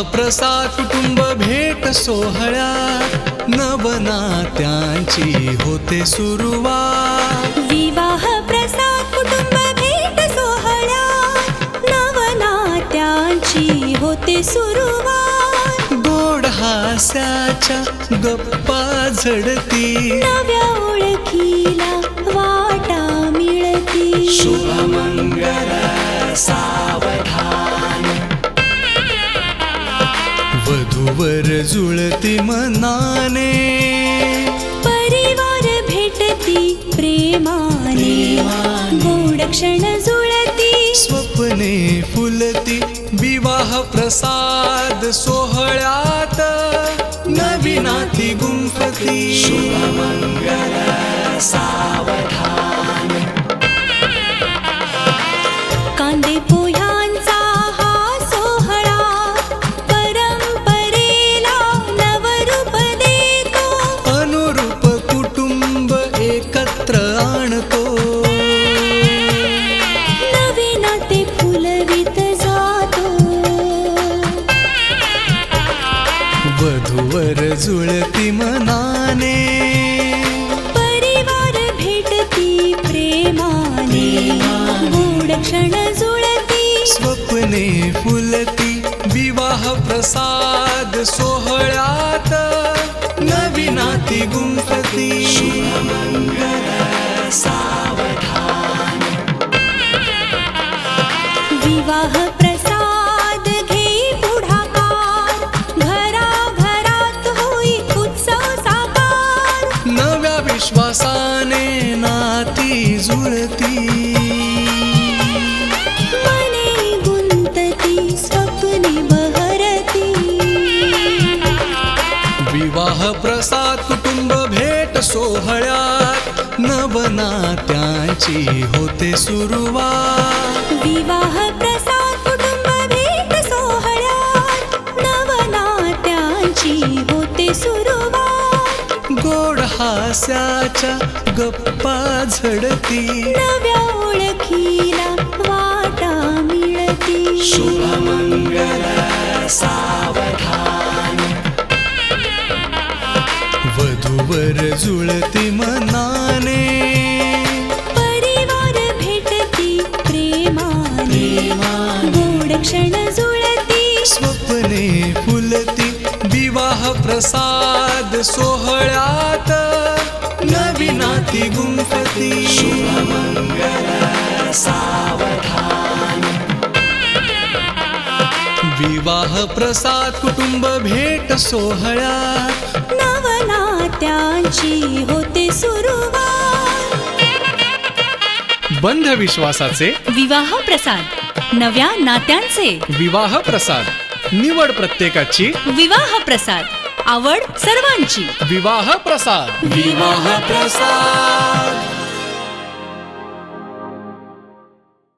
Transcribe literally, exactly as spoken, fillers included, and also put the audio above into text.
प्रसाद कुटुंब भेट सोहळ्यात नवनात्यांची होते सुरुवात। विवाह प्रसाद कुटुंब भेट सोहळ्यात नवनात्यांची होते सुरुवात। गोड हास्याच्या गप्पा झडती, नव्या ओळखीला वाटा मिळती। शुभमंगल सावधान, वधूवर जुळती मनाने, परिवार भेटती प्रेमाने, गोड क्षण जुळती, स्वप्ने फुलती। विवाह प्रसाद सोहळ्यात नवी नाती गुंफती। शुभमंगल सावधान, कांदे पोह्यांचा हा सोहळा परंपरेला नवरूप देतो। अनुरूप कुटुंब एकत्र आणतो, नवे नाते फुलवित जातो। वधूवर जुळती मनाने, परिवार भेटती प्रेमाने, गोड क्षण जुळती, स्वप्ने फुलती। विवाह प्रसाद सोहळ्यात नवी नाती गुंफती। शुभमंगल सावधान, विवाह प्रसाद घे पुढाकार, घराघरात होई उत्सव साकार। नव्या विश्वासाने नाती जुळती, मने गुंतती, स्वप्ने बहरती। विवाह प्रसाद कुटुंब भेट सोहळ्यात नवनात्यांची होते सुरुवात। विवाह प्रसाद कुटुंब भेट सोहळ्यात नवनात्यांची होते सुरुवात। गोड हास्याच्या गप्पा झडती, नव्या ओळखीला वाटा मिळती। शुभमंगल सावधान, वधूवर जुळती मनाने, परिवार भेटती प्रेमाने, गोड क्षण जुळती, स्वप्ने फुलती। विवाह प्रसाद सोहळ्यात नवी नाती गुंफती। शुभमंगल सावधान, विवाह प्रसाद कुटुंब भेट सोहळ्यात नवनात्यांची होते सुरुवात। बंध विश्वासाचे विवाह प्रसाद, नव्या नात्यांचे विवाह प्रसाद, निवड प्रत्येकाची विवाह प्रसाद, आवड सर्वांची विवाह प्रसाद। विवाह प्रसाद।